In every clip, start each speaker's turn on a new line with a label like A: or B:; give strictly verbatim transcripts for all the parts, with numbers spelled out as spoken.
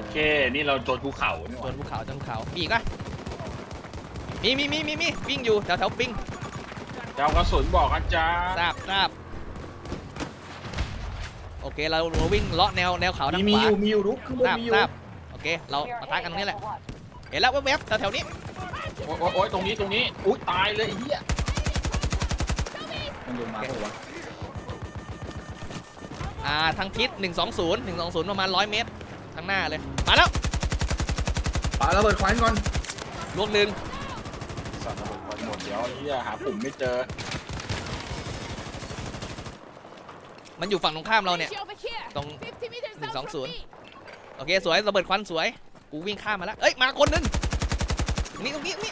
A: เคนี่เราโจรภูเขาเนี่ย
B: โดนภูเขาจนภูเขามีอีกปะมีมีมีมีมีวิ่งอยู่แถวแถวปิง
A: เจ้ากระสุนบอกอาจารย์
B: ทราบทราบโอเคเราเราวิ่งเลาะแนวแนวเขาทาง
C: มี
B: ข
C: มี
B: วา
C: อยู่มีอยู่ลุกข้างบ
B: ท
C: น
B: ราบ
C: มีอยู่
B: ทราบโอเคเราปะทะกันตรงนี้แหละเห็นแล้วแวบๆแถวแถวนี้
A: โอ๊ยโอ๊ยโอ๊ยตรงนี้ตรงนี้อุ้ยตายเลยไอ้เหี้ย
C: มันลงมาเปล่าวะ
B: อ่าทางทิศหนึ่งสองศูนย์ หนึ่งสองศูนย์ประมาณร้อยเมตรทางหน้าเลยมาแล้ว
C: ปาระเบิดควันก่อน
B: ลวงหนึ่ง
A: สัตว์ระเบิดควันหมดเดี๋ยวไอ้เหี้ยหาปุ่มไม่เจอ
B: มันอยู่ฝั่งตรงข้ามเราเนี่ยตรงหนึ่งสองศูนย์โอเคสวยระเบิดควันสวยกูวิ่งข้ามมาแล้วเอ้ยมาคนหนึงตรงนี้ตรงนี้ตรงนี้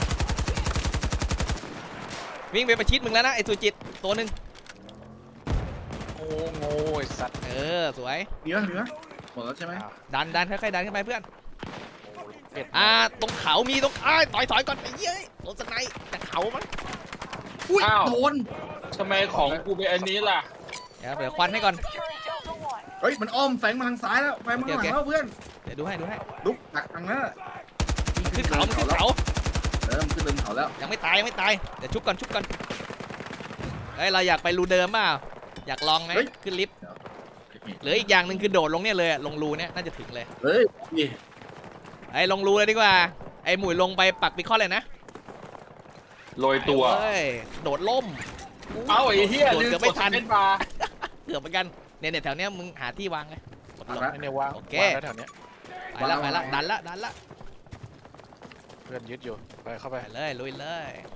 B: วิ่งไปประชิดมึงแล้วนะไอ้สุจิตตัวหนึ่ง
A: โง่โง่ไอ้สัตว์
B: เออสวย
C: มีไหมมีไหมหมดแล้วใช่ไหม
B: ดันดันค่อยๆดันขึ้นไปเพื่อน
A: เป็ด
B: อ่าตรงเขามีตรงอ้ายถอยถอยก่อนไอ้เย้ยโดนสไนด์จากเขามั้ง
C: อุ้ยโดน
A: ทำไมของกูเป็นอันนี้ล่ะ
B: เดี๋ยวเดี๋ยวควันให้ก่อน
C: เฮ้ยมันอ้อมแฝงมาทางซ้ายแล้วแฝงมาข้างหลังแล้วเพื่อน
B: เดี๋ยวดูให้ดูให้
C: ลุกหักทางนั้น
B: ขึ้นเขามันขึ้นเขา
C: เออมันขึ้นเดินเขาแล้ว
B: ยังไม่ตายยังไม่ตายเดี๋ยวชุบก่อนชุบก่อนเฮ้ยเราอยากไปรูเดิมเปล่าอยากลองไหมขึ้นลิฟต์เหลืออีกอย่างหนึ่งคือโดดลงเนี่ยเลยอะลงรูเนี่ยน่าจะถึงเลย
C: เฮ้ยนี่
B: ไอ้ลงรูเลยดีกว่าไอ้หมุยลงไปปักปิคอนเลยนะ
A: โรยตัว
B: เฮ้ยโดดล่ม
A: เอ้าไอ้เหี้ย
B: โดด
A: ลืม
B: เกือบ
A: ก
B: ไม่
A: ด
B: ทัน
A: เป็นบาร์
B: เกือบเหมือนกันเนี่ยเนี่ยแถวเนี้ยมึงหาที่วางเลยกดลง
A: ไม่ได้วาง
B: โอเค
A: วางแล้วแถวเนี้ย
B: ไปแล้วไปแล้วดันละดันละ
A: เพื่อนยึดอยู่ไปเข้าไป
B: ไปเลยลุยเลย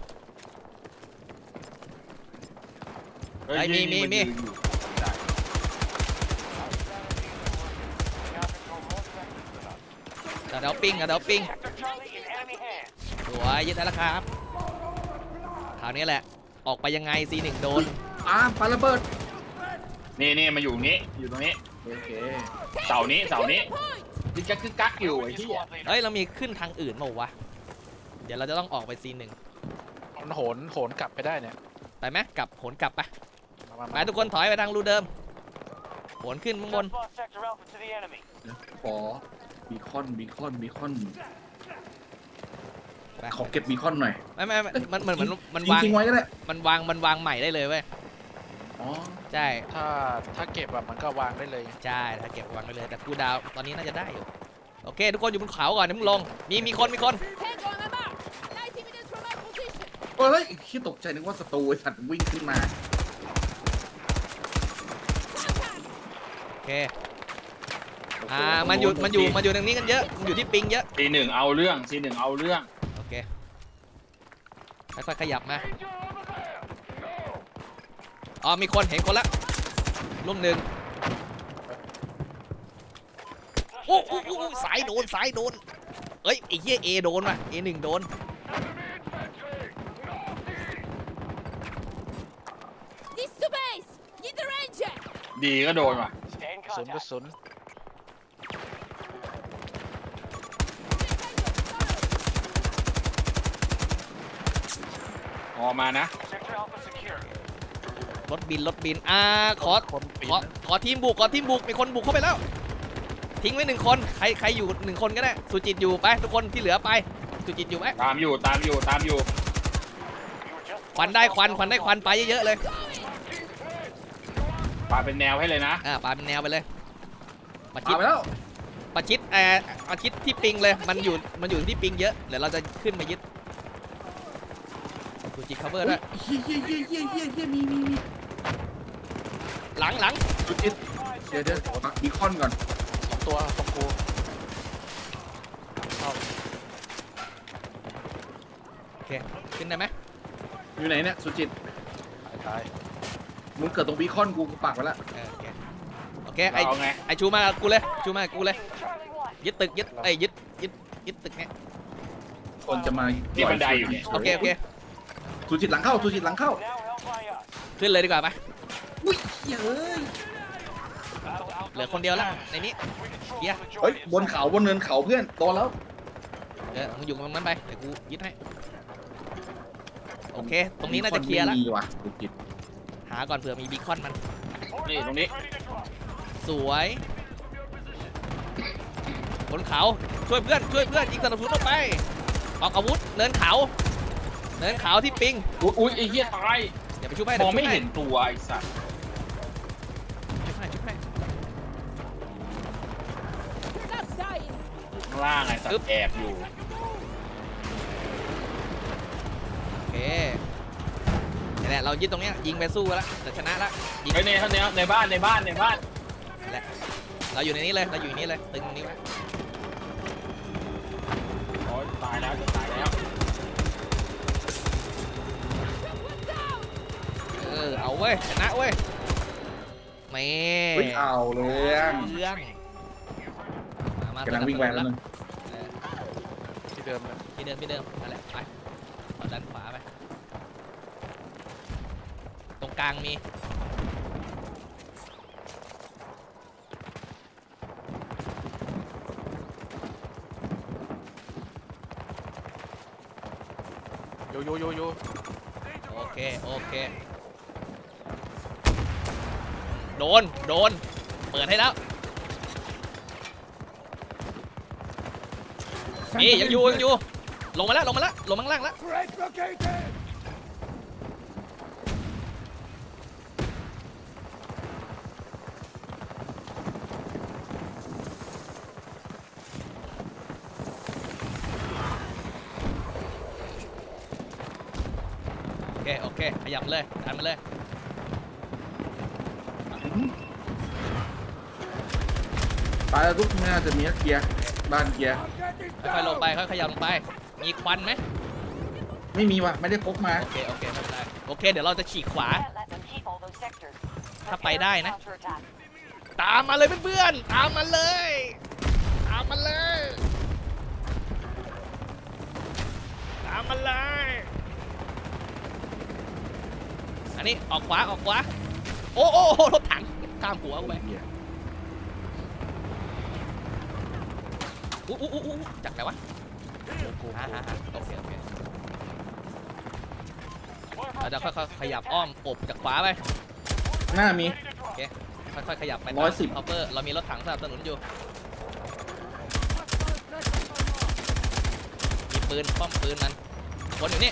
A: เฮ้ย
B: ไอ้มีมีมี
A: นยืนอยู่ได้
B: แถวปิงแถวปิงสวยยึดได้แล้วครับคราวนี้แหละออกไปยังไง ซี หนึ่ง โดน
C: อ่าปาระเบิด
A: นี่นี่มาอยู่นี้อยู่ตรงนี้
C: โอเค
A: เสานี้เสานี้ยึกกักยึกกักอยู่ไอ้ที่
B: เฮ้ยเรามีขึ้นทางอื่นเปล่าวะเดี๋ยวเราจะต้องออกไป ซี หนึ่ง
A: มันโหนโหนกลับไปได้เนี่ย
B: ไปไหมกลับโหนกลับไป
A: มา
B: ไปทุกคนถอยไปทางรูเดิมโหนขึ้นข้างบน
C: ขอบีคอนบีคอนบีคอน
B: ไป
C: ขอเก็บบีคอนหน่อย
B: ไม่ไม่ไม่มันเหมือนเหมือนมัน
C: ทิ้ง
B: วาง
C: ทิ้งไว้ก็ได้
B: มันวางมันวางใหม่ได้เลยเว้ย
C: อ๋อ
B: ใช่
A: ถ้าถ้าเก็บแบบมันก็วางได้เลย
B: ใช่ถ้าเก็บวางไปเลยแต่กูดาวตอนนี้น่าจะได้อยู่โอเค ทุกคนอยู่บนเขาก่อนเดี๋ยวมึงลงมีมีคนมีคน
C: โอ้ยคิดตกใจนึกว่าศัตรูไอ้สัตว์วิ่งขึ้นมา
B: โอเคอ่ามันอยู่มันอยู่มันอยู่ตรงนี้กันเยอะมันอยู่ที่ปิงเยอะ
A: ซีหนึ่งเอาเรื่องซีหนึ่งเอาเรื่อง
B: โอเคค่อยๆขยับมาอ๋อมีคนเห็นคนละลูกหนึ่งโอ้โอ้โอ้สายโดนสายโดนเอ้ยไอ้เหี้ยเอโดนว่ะเอหนึ่งโดน
A: ดีก็โดนว่ะ
D: ศูนย์กระสุน
A: ออกมานะ
B: รถบินรถบินอ่าขอ
A: คนปี
B: ขอขอทีมบุกขอทีมบุกมีคนบุกเข้าไปแล้ว ทิ้งไว้หนึ่งคนใครใครอยู่หนึ่งคนก็ได้สุจิตอยู่ไปทุกคนที่เหลือไปสุจิตอยู่ไหม
A: ตามอยู่ตามอยู่ตามอยู่
B: ควันได้ควันควันได้ควันไปเยอะๆเลย
A: ปาเป็นแนวให้เลยนะ
B: อ่าปาเป็นแนวไปเลยประ
C: พา
B: ชิด
C: ไปแล้ว
B: ประชิดแอร์ประชิดที่ปิงเลยมันอยู่มันอยู่ที่ปิงเยอะเดี๋ยวเราจะขึ้นมายึดสุจิต cover ด้วย
C: เฮียเฮียเฮียเฮียเฮียเฮียมีมีมี
B: หลังหลัง
C: จุดอิดเดี๋ยวเดี๋ยวปักบีคอนก่อน
D: สองตัวตรงกู
B: โอเคขึ้นได้ไหม
C: อยู่ไหนเนี่ยสุจิต
D: ตาย
C: มึงเกิดตรงบีคอนกูกูปักไว้แล้ว
B: เออโอเคโอเคไอ
A: เอาไง
B: ไอชูมากับกูเลยชูมากับกูเลยยึดตึกยึดไอยยึดยึดยึดตึกเนี้ย
C: คนจะมา
A: ที่บันไดอยู่เนี่ย
B: โอเคโอเค
C: สุจิตหลังเข้าสุจิตหลังเข้า
B: ขึ้นเลยดีกว่าไป
C: อุ้ยเฮ้ย
B: เหลือคนเดียวแล้วในนี้เฮีย
C: เฮ้ยบนเขาบนเนินเขาเพื่อนโตแล้ว
B: เออมึงอยู่ตรงนั้นไปเดี๋ยวกูยึดให้โอเคตรงนี้น่าจะเคลียร์แล้ว
C: มีว่ะสุจิต
B: หาก่อนเผื่อมีบีคอนมัน
A: นี่ตรงนี้
B: สวยบนเขาช่วยเพื่อนช่วยเพื่อนยิงสนับสนุนออกไปออกอาวุธเนินเขาเนินเขาที่ปิง
A: อุ้ยอุ้ยไอ้เหี้ยตาย
B: อย่าไปชุบให้
A: มองไม่เห็นตัวไอ้สัตว์
B: ชุบให้ชุบให้
A: ข้างล่างไอ้สัตว์แอบอยู่
B: โอเคนี่แหละเรายึดตรงเนี้ยยิงไปสู้แล้วแต่ชนะแล้วยิง
A: ไอ้ในในในบ้านในบ้านในบ้าน
B: นั่นแหละเราอยู่ในนี้เลยเราอยู่ในนี้เลยตึงนี้ไว้
A: โอ้ยตายแล้วจะตายแล้ว
B: เออเอาเว้ยชนะเว้ยแม่
C: เฮ้ยเอาเรื่อง
B: เรื่องมามาก
C: ำลังวิ่งไปแล้วนึง
B: เออ
D: ที่เดิมเลย
B: ที่เดิมที่เดิมนั่นแหละไปเอาด้านขวาไปตรงกลางมี
D: โยโยโยโย
B: โอเคโอเคโดนโดนเปิดให้แล้วนี่ยังอยู่ยังอยู่ลงมาแล้วลงมาแล้วลงมาข้างล่างแล้ว โอเค โอเค ขยับเลยดันมาเลย
C: ตายแล้วทุกน่าจะมีเกียร์บ้านเกียร์
B: ค่อยๆลงไป ค่อยๆขยับลงไป มีควันไหม
C: ไม่มีว่ะไม่ได้พกมา
B: โอเค โอเค ไม่เป็นไร โอเค เดี๋ยวเราจะฉีกขวา ถ้าไปได้นะ ตามมาเลยเพื่อนๆ ตามมาเลย ตามมาเลย ตามมาเลย อันนี้ออกขวา ออกขวา โอ้โอ้โอ้รถถังข้ามหัวกูไปอู้อู้อู้อู้จากไหนวะ
D: กู
B: อ่าฮะโอเค โอเค เราจะค่อยๆขยับอ้อมอบจากขวาไป
C: หน้ามี
B: ค่อยๆขยับไป
C: ร้อยสิบ
B: ฮอปเปอร์ เรามีรถถังสนับสนุนอยู่ มีปืน ป้อมปืนมันวนอยู่นี่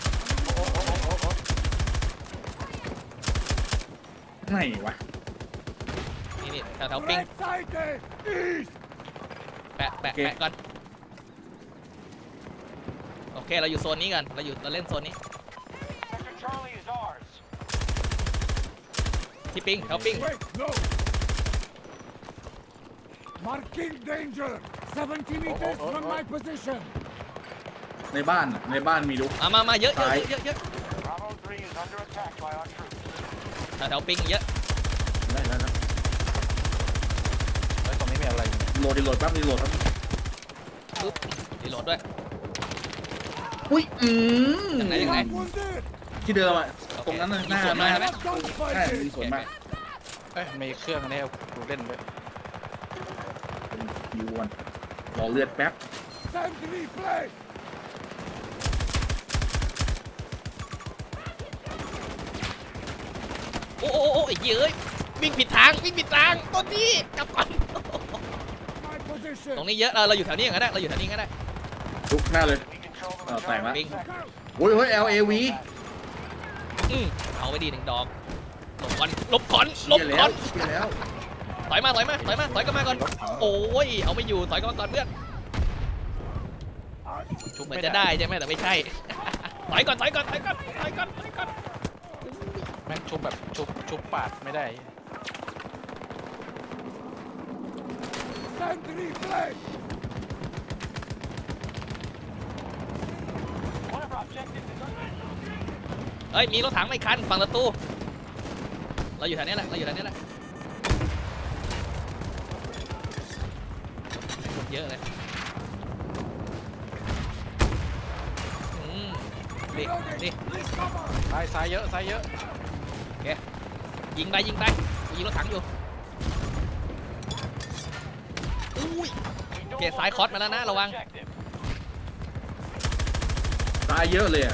C: ไหนวะ
B: นี่นี่แถวๆปิ้ง แปะแปะแปะก่อน โอเค เราอยู่โซนนี้กัน เราอยู่เราเล่นโซนนี้ ที่ปิ้งแถวปิ้ง
E: Marking danger! seventy meters from my position!
C: ในบ้านอะในบ้านมีลูก
B: มามามาเยอะเยอะ
C: ซ้าย
B: เยอะเยอะแถวๆปิ้งเยอะ
C: ได้แล้วนะ
D: เฮ้ยตรงนี้มีอะไรเนี่ย
C: โหลดดีโหลดแป๊บดีโหลดแป๊บ
B: ปุ๊บรีโหลดด้วย
C: อุ้ยอืม
B: ยังไงยังไง
E: Wounded!
C: ที่เดิมอ่ะตรงนั้นน่ะหน้า
B: มีส่วน
C: หน้า
B: ไหม
C: ใช่มีส่วนมาก
D: เอ้ยมีเครื่องอันนี้กูเล่นด้วย
C: ยูวันรอเลือดแป๊บ
E: Sentry plate!
B: โอ้โอ้โอ้ไอ้เหี้ยเอ้ยวิ่งผิดทางวิ่งผิดทางต้นนี้กลับก่อน
E: My position!
B: ตรงนี้เยอะเราเราอยู่แถวนี้ก็ได้เราอยู่แถวนี้ก็ได้
C: ลุกหน้าเลยเออแตกแล้ว
B: ปิ้ง
C: โอ้ยเฮ้ย แอล เอ วี
B: อืมเอาไว้ดีหนึ่งดอกหลบก่อนหลบก่อนหล
C: เชี่
B: บ
C: ยแล้
B: ก่อ
C: วน เชี่ยแล้ว
B: ถอยมาถอยมาถอยมาถอยกลับมาก่อนโอ้ยเอาไม่อยู่ถอยกลับมาก่อนเพื่อน
D: ชุบ
B: เหมือ
D: ไม่
B: นจะได้ใช่ไหมแต่ไม่ใช่ ถอยก่อนถอยก่อนถอยก่อนถอยก่อนถอยก่อน
D: แม่งชุบแบบชุบชุบปาดไม่ได้
E: Sentry plate!
B: เฮ้ยมีรถถังไม่คันฝั่งประตูเราอยู่แถวนี้แหละเราอยู่แถวนี้แหละคนเยอะเลยอืมนี่นี่
E: Please cover!
D: ซ้ายซ้ายเยอะซ้ายเยอะ
B: ยิงไปยิงไปยิงรถถังอยู่อุ้ยโอเคซ้ายคอสมาแล้วนะระวัง
C: ตายเยอะเลยอ่ะ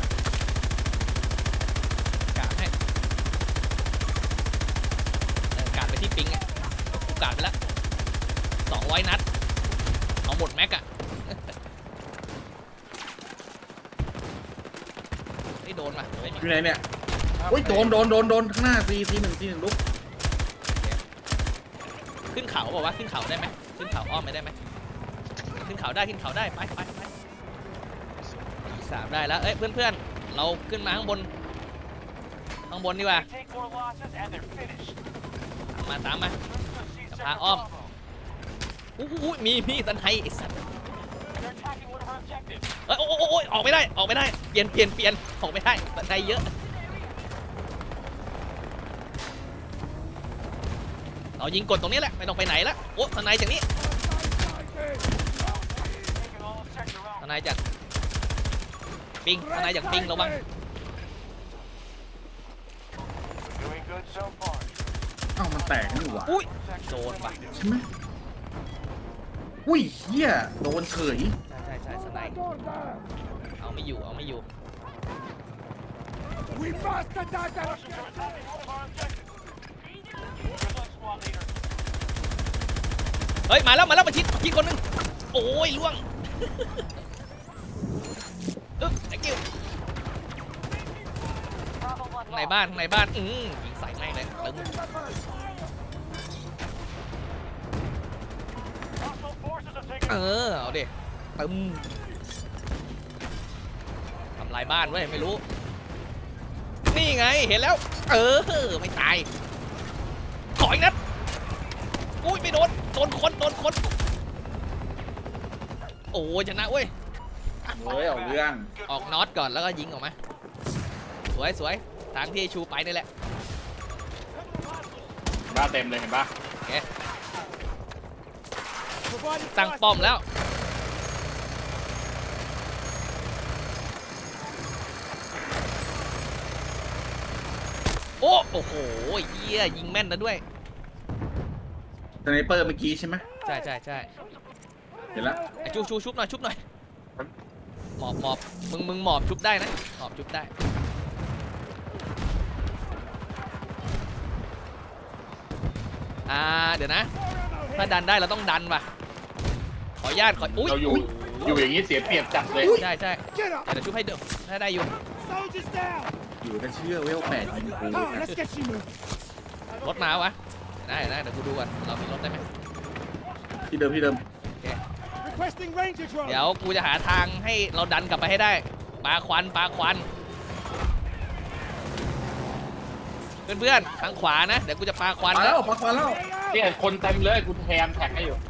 B: กาดให้เออกาดไปที่ปิงอ่ะกูกาดไปแล้วสองร้อยนัดเอาหมดแม็กอะไม่โดนว่ะไม่มี
C: อยู่ไหนเนี่ยโอ้ยโดนโดนโดนโดนข้างหน้าซีซีหนึ่งซีหนึ่งลุก
B: ขึ้นเขาบอกว่าขึ้นเขาได้ไหมขึ้นเขาอ้อมไปได้ไหมขึ้นเขาได้ขึ้นเขาได้ไปไปไปสามได้แล้วเอ้ยเพื่อนๆเราขึ้นมาข้างบนข้างบนดีกว่าตามมาตามมาพาอ้อมอู้หูมีมีตันไฮไอ้สัตว์เอ้ยโอ้โอ้ออกไม่ได้ออกไม่ได้เปลี่ยนเปลี่ยนเปลี่ยนออกไม่ได้ตันไฮเยอะเรายิงกดตรงนี้แหละไม่ต้องไปไหนละโอ้ทนายจากนี้ทนายจากปิงทนายจากปิงระวัง
C: เอ้ามันแตกนี่หว่า
B: อุ้ยโดนปะ
C: ใช่ไหมอุ้ยเฮียโดนเฉย
B: ใช่ใช่ใช่ทนายเอาไม่อยู่เอาไม่อยู่
E: We must attack them.
B: เฮ้ยมาแล้วมาแล้วมาชิดชิดคนนึงโอ้ยล่วงอึ๊บไอ้กิ้วในบ้านในบ้านอืมยิงใส่แม่งเลยตึงเออเอาดิตึมทำลายบ้านเว้ยไม่รู้นี่ไงเห็นแล้วเออไม่ตายขออีกนัดอุ้ยไม่โดนโดนคนโดนคนโอ้ยชนะเว้ย
C: เฮ้ยเอาเรื่อง
B: ออกน็อตก่อนแล้วก็ยิงออกมาสวยสวยทางที่ชูไปนี่แหละ
A: บ้าเต็มเลยเห็นปะ
B: ตั้งป้อมแล้วโอ้โอ้โหเยี่ยยิงแม่นนะด้วย
C: สไนเปอร์เมื่อกี้ใช่ไหม
B: ใช่ใช่ใช่
C: เห็นแล้ว
B: ไอ้ชูชูชุบหน่อยชุบหน่อยหมอบหมอบมึงมึงหมอบชุบได้นะหมอบชุบได้อ่าเดี๋ยวนะถ้าดันได้เราต้องดันว่ะขออนุญาตขออุ้ย
A: เราอยู่อยู่อย่างนี้เสียเปรียบจัดเลย
B: ใช่ใช่
E: Get up.
B: เดี๋ยวชุบให้เดิมถ้าได้อยู่
E: Soldiers down.
C: อยู่ก็เชื่อเวลแปดยิงกู
E: Come on, let's get you moving.
B: รถมาวะได้ได้เดี๋ยวกูดูก่อนเรามีรถได้ไหม
C: ที่เดิมที่เดิม
E: Requesting ranger drone.
B: เดี๋ยวกูจะหาทางให้เราดันกลับไปให้ได้ปาควันปาควันเพื่อนๆทางขวานะเดี๋ยวกูจะปาควัน
C: มา
B: แล้
C: แล้ว วปักมาแล้ว
A: เนี่ยคนเต็มเลยกูแทนแท็กให้อยู่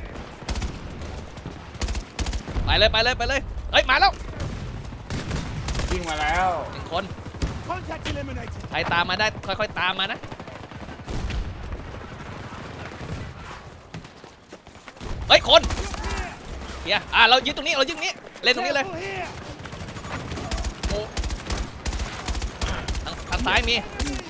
B: ไปเลยไปเลยไปเลยเฮ้ยมาแล้ว
A: วิ่งมาแล้ว
B: หนึ่งคน
E: Contact eliminated.
B: ใครตามมาได้ค่อยๆตามมานะเฮ้ยคนเฮียอ่ะเรายึดตรงนี้เรายึดตรงนี้เล่นตรงนี้เลย
E: Careful here.
B: ทางทางซ้ายมี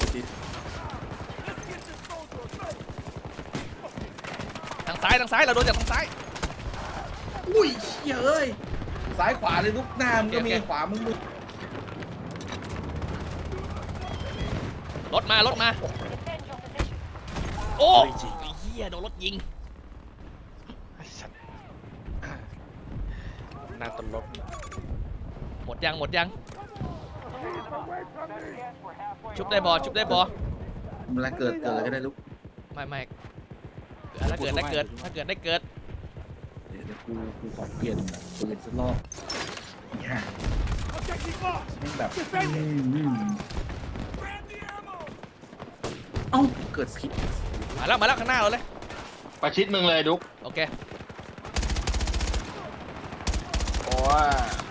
B: ทางซ้ายทางซ้ายเราโดนจากทางซ้าย
C: อุ้ยเชี่ยเอ้ยซ้ายขวาเลยลูกหน้ามึงก็มี
B: โอเค
C: ขวามึงมึง
B: รถมารถมาโอ้ยเฮียโดนรถยิง
D: ไอ้สัตว์หน้าตลก
B: หมดยังหมดยังชุบได้บอชุบได้บอ
C: เวลาเกิดเกิดอะไรก็ได้ลูก
B: ไม่ไม่ถ้าเกิดได้เกิดถ้าเกิดได้เกิด
C: เดี๋ยวเดี๋ยวกูกูขอเปลี่ยนปืนสักรอบฮ่า
E: Objective marked.
C: แม่งแบบ
E: Defend it.
C: อืมอืมเอ้าเกิดผิด
B: มาแล้วมาแล้วข้างหน้าเราเลย
A: ประชิดมึงเลยดุ๊ก
B: โอเค
A: โอ้ย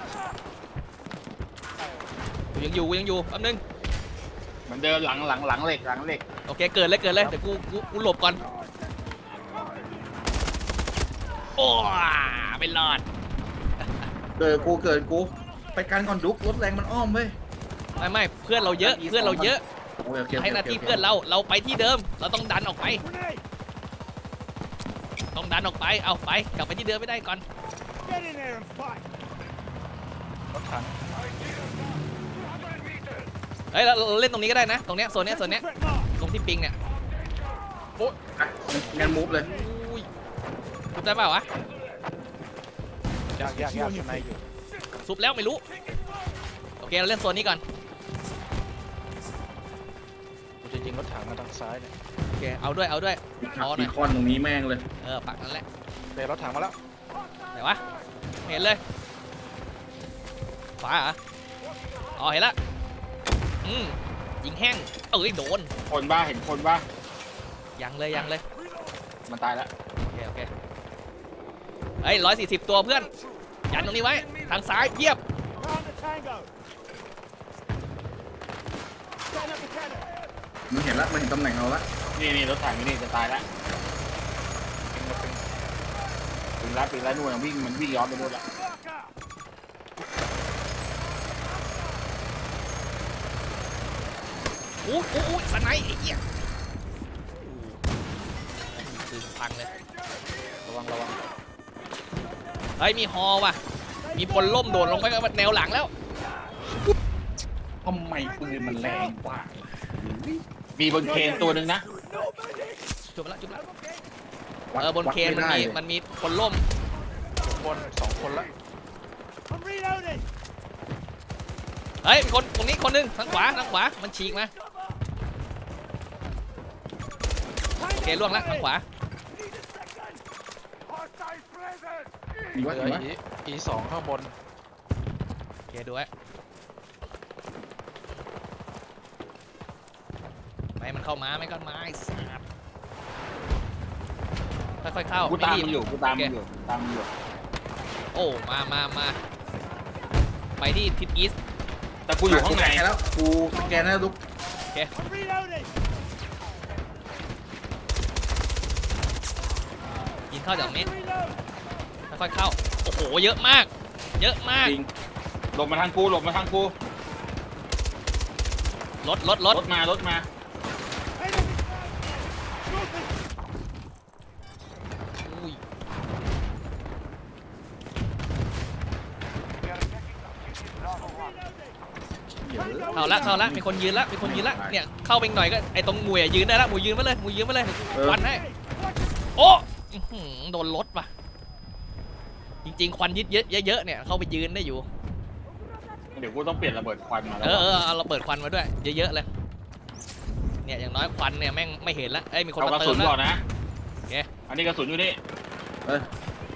B: กูยังอยู่กูยังอยู่แป๊บนึง
A: เหมือนเดิมหลังหลังหลังเหล็กหลังเหล็ก
B: โอเคเกิดเลยเกิดเลยเดี๋ยวกูกูกูหลบก่อนโอ้ไม่รอด
C: เกิดกูเกิดกูไปกันก่อนดุกรถแรงมันอ้อมเว้ย
B: ไม่ไม่เพื่อนเราเยอะเพื่อนเราเยอะ
C: โอเคโอเค
B: ให้หน้าที่เพื่อนเราเราไปที่เดิมเราต้องดันออกไป
E: Grenade.
B: ต้องดันออกไปเอาไปกลับไปที่เดิมไม่ได้ก่อน
E: Get in there and fight.
D: รถถัง
B: เฮ้ยเราเราเล่นตรงนี้ก็ได้นะตรงเนี้ยโซนเนี้ยโซนเนี้ย
E: Threat marked.
B: ตรงที่ปิงเนี่ย
C: อ่ะงั้นมูฟเลย
B: อุ้ยพูดได้เปล่าวะ
D: ยากยากยากข้างในอยู่
B: ซุบแล้วไม่รู้โอเคเราเล่นโซนนี้ก่อน
D: กูจะยิงรถถังมาทางซ้ายเนี่ย
B: โอเคเอาด้วยเอาด้วย
C: หักบีคอนตรงนี้แม่งเลย
B: เออปักนั่นแหละ
D: เตะรถถังมาแล้ว
B: ไหนวะไม่เห็นเลยขวาเหรออ๋อเห็นละอืมยิงแห้งเอ้ยโดน
A: คนบ้าเห็นคนบ้า
B: ยังเลยยังเลย
A: มันตายแล้ว
B: โอเคโอเคเฮ้ยร้อยสี่สิบตัวเพื่อนยันตรงนี้ไว้ทางซ้ายเยียบ
C: มันเห็นละมันเห็นตำแหน่งเราละ
A: นี่นี่รถถังนี่จะตายแล้วปิงแล้วปิงแล้วนู่นวิ่งมันวิ่งย้อนไปนู่นละ
B: อู้อู้อู้สไนไอ้เหี้ยคือพังเลย
D: ระวังระวัง
B: เฮ้ยมีฮอว่ะมีพลล่มโดดลงไปกับแนวหลังแล้ว
C: ทำไมปืนมันแรงกว่า
A: มีบนเคนตัวหนึ่งนะ
B: จุบแล้วจุบแล้ว
C: วัด
B: เออบน
C: วัด
B: เคนมัน
C: ไได้
B: มี
C: เลย
B: มันมีพลล่ม
D: สองคนสองคนละ
B: เฮ้ยมีคนตรงนี้คนหนึงทางขวาทางขวามันฉีกมาโอเคล่วงแล้วทางขวา
C: มีวัด
D: เหลื
C: มี
D: อ
C: วัด
D: อีอีสองข้างบน
B: โอเคดูไว้ไม่มันเข้ามาไม่ก็มาไอ้สัตว์ค่อยๆเข้า
A: กูตาม
B: ไรี
A: มึ
B: บ
A: งอยู่กูตาม
B: โอเค
A: มึงอยู่ตามมึงอยู่
B: โอ้มามามาไปที่ทิศอีสต์
A: แต่กูอยู่ข้างใน
C: สแกแล้วกูสแกนแล้วลุก
B: ยิงเข้าจากตรงนี้ค่อยๆเข้าโอ้โหเยอะมาก เยอะมาก
C: จริง
A: หลบมาทางกูหลบมาทางกู
B: รถรถรถ
A: รถมารถมา
B: อุ้ย
C: เดี๋ยว
B: เข้าละเข้าละมีคนยืนละมีคนยืนละเนี่ยเข้าไปอีกหน่อยก็ไอ้ตรงมวยอะยืนได้ละมวยยืนมาเลยมวยยืนมาเลยควันให้โอ้อื้อหือโดนรถว่ะจริงๆควันยึดเยอะเยอะๆเนี่ยเข้าไปยืนได้อยู่
A: เดี๋ยวกูต้องเปลี่ยนระเบิดควันมาแล้ว
B: เออเออเอาเราเปิดควันมาด้วยเยอะๆเลยเนี่ยอย่างน้อยควันเนี่ยแม่งไม่เห็นละเอ้ยมีคน
A: เอาก
B: มา
A: ระ
B: เติ
A: สุ
B: ม
A: น
B: แล้ว
A: ก่อนนะ
B: โอเค
A: อันนี้กระสุนอยู่นี่
C: เอ้ย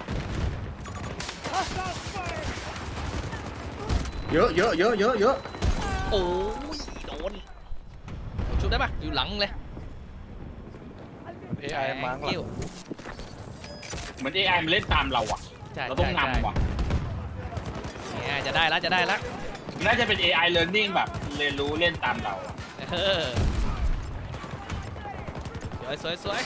C: เยอะเยอะเยอะเยอะเยอะ
B: โอ้ยโดนชุบได้ปะอยู่หลังเลย
D: เอไอมาข้างหลั
B: กิ้ว
D: ง
A: เหมือน เอ ไอ มันเล่นตามเราอ่ะ
B: ใช่
A: เราต้อง
B: ใช่
A: นำว่ะ
B: ใช่เนี่ยจะได้แล้วจะได้แล้ว
A: น่าจะเป็น เอ ไอ learning แบบเรียนรู้เล่นตามเราอะ
B: เออสวยสวยสวย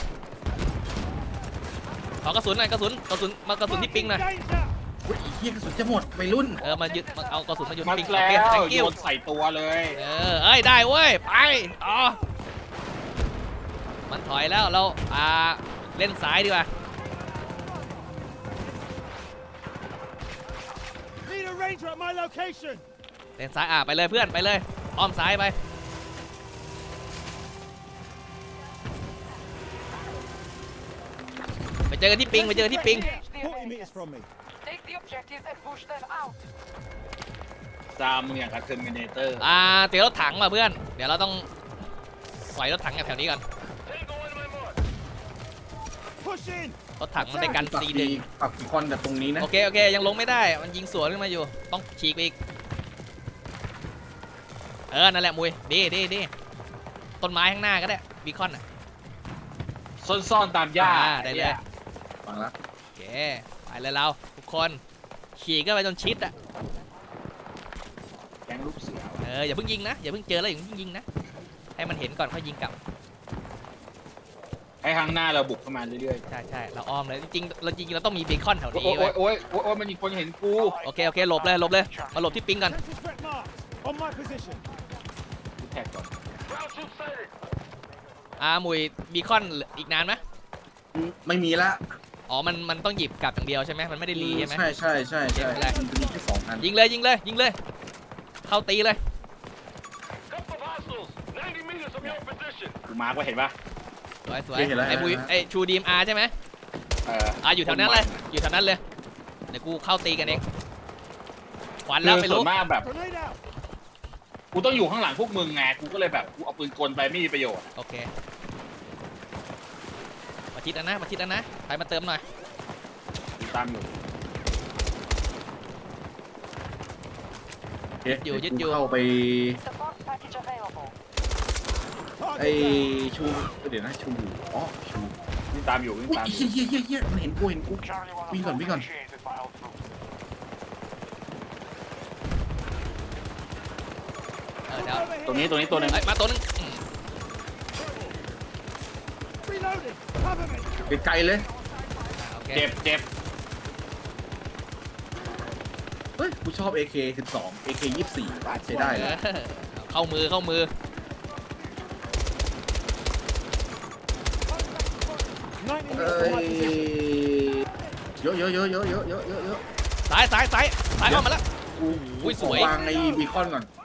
B: ขอกระสุนหน่อยกระสุนกระสุนมากระสุนที่ปิงหน่อย
C: อุ้ยไอ้เหี้ยกระสุนจะหมดไปรุ่น
B: เออมายึดมาเอากระสุนมายึด
A: มา
B: ปิงโอ
A: แล้
B: เคว thank
A: โย
B: you
A: นใส่ตัวเลย
B: เออเอ้ยได้เว้ยไปอ๋อมันถอยแล้วเราอ่าเล่นซ้ายดีกว่า
E: Need a ranger at my location.
B: เล่นซ้ายอ่ะไปเลยเพื่อนไปเลยอ้อมซ้ายไปไปเจอกันที่ปิงไปเจอกันที่ปิง
E: forty meters from me.
F: Take the objectives and push them out.
A: ซามมึงอย่างกับเทอร์มินเตอร์
B: อ่าเตี๋ยวรถถังมาเพื่อนเดี๋ยวเราต้องสอยรถถังแถวนี้ก่อน
E: Push in.
B: รถถังมันได้กัน
C: ปัก
B: ซี
C: บี
B: ดึง
C: ปักบีคอนแบบตรงนี้นะ
B: โอเคโอเคยังลงไม่ได้มันยิงสวนขึ้นมาอยู่ต้องฉีกไปอีกเออนั่นแหละมุยดีดีดีต้นไม้ข้างหน้าก็ได้บีคอนอ่ะ
A: ซ่อนๆตามหญ้า
B: อ่าได้เลย
C: ฟังละ
B: โอเคไปเลยเราทุกคนขี่ก็ไปจนชิดอ่ะ
A: แก๊งลูกเสือ
B: เอออย่าเพิ่งยิงนะอย่าเพิ่งเจอแล้วอย่าเพิ่งยิงนะให้มันเห็นก่อนค่อยยิงกลับ
A: ให้ข้างหน้าเราบุกเข้ามาเรื่อย
B: ใช่ใช่เราอ้อมเลยจริงๆเราจริงๆเราต้องมีเบคอนแถว
A: ๆ โอ้
B: นี้
A: ย
B: ไว้
A: โอ้ยโอ้ยโอ้ยมันมีคนเห็นกู
B: โอเคโอเคหลบเลยหลบเลยมาหลบที่ปิงก่อน
E: Central threat mark. On my position.
A: กูแท็กก่อน
B: อ่าหมุยบีคอนอีกนานไหม
C: ไม่มีละ
B: อ๋อมันมันต้องหยิบกลับอย่างเดียวใช่ไหมมันไม่ได้รีใช่ไหม
C: ใช่ใช่ใช่ใช่
B: ไม่เป็นไร
C: มันจะมีแค่สองอัน
B: ยิงเลยยิงเลยยิงเลยเข้าตีเลย
A: กูมาร์กไว้เห็นปะ
B: สวยสวยไอ้บุยไอ้ชูดีมอาร์ใช่ไหม
A: เออ
B: อ่าอยู่แถวนั้นเลยอยู่แถวนั้นเลยเดี๋ยวกูเข้าตีกันเองควัน
A: คื
B: แล้ว
A: อ
B: ไป
A: ส่
B: ลุ
A: ว
B: ก
A: นมากแบบ
E: Grenade out!
A: กูต้องอยู่ข้างหลังพวกมึงไงกูก็เลยแบบกูเอาปืนกลไปไม่มีประโยชน์
B: โอเคมาชิดอันนะมาชิดอันนะไปมาเติมหน่อย
A: กูตามอยู่
C: เอ๊ะ
B: อยู่ยึด
C: กู
B: อยู่
C: เข้าไป
F: Support package available.
C: ไอ้
E: Target
C: ชูเดี๋ยวนะชูอ๋อชู
A: วิ่งตามอยู่วิ่ง
C: อุ้ย
A: ตามอ
C: เฮี
A: ยู่
C: ยเฮียเฮียเฮียมันเห็นกูเห็นกู
F: Charlie one
C: We gone, we gone.
F: initiated by Outlook.
B: เออเดี๋ยว
A: ตรงนี้ตรงนี้ตัวหนึง
B: เอ้ยมาตัวนึงอืม
E: Reloading! Cover me!
C: ไกลๆเลย
B: โอเค
A: เจ็บเจ็บ
C: เฮ้ยกูชอบ เอ เค สิบสอง เอ เค ยี่สิบสี่ใช้ได้
B: เอ
C: เลย
B: อเข้ามือเข้ามือ
E: ninety
C: เอ้
E: meters from my
C: ย
E: position.
C: เยอะเยอะเยอะเยอะเยอะเยอะเยอะเยอะ
B: ซ้ายซ้ายซ้ายซ้ายเข้ามาแล้ว
C: กู
B: อุ้ยสวย
C: ขอวางไอ้บีคอนก่อน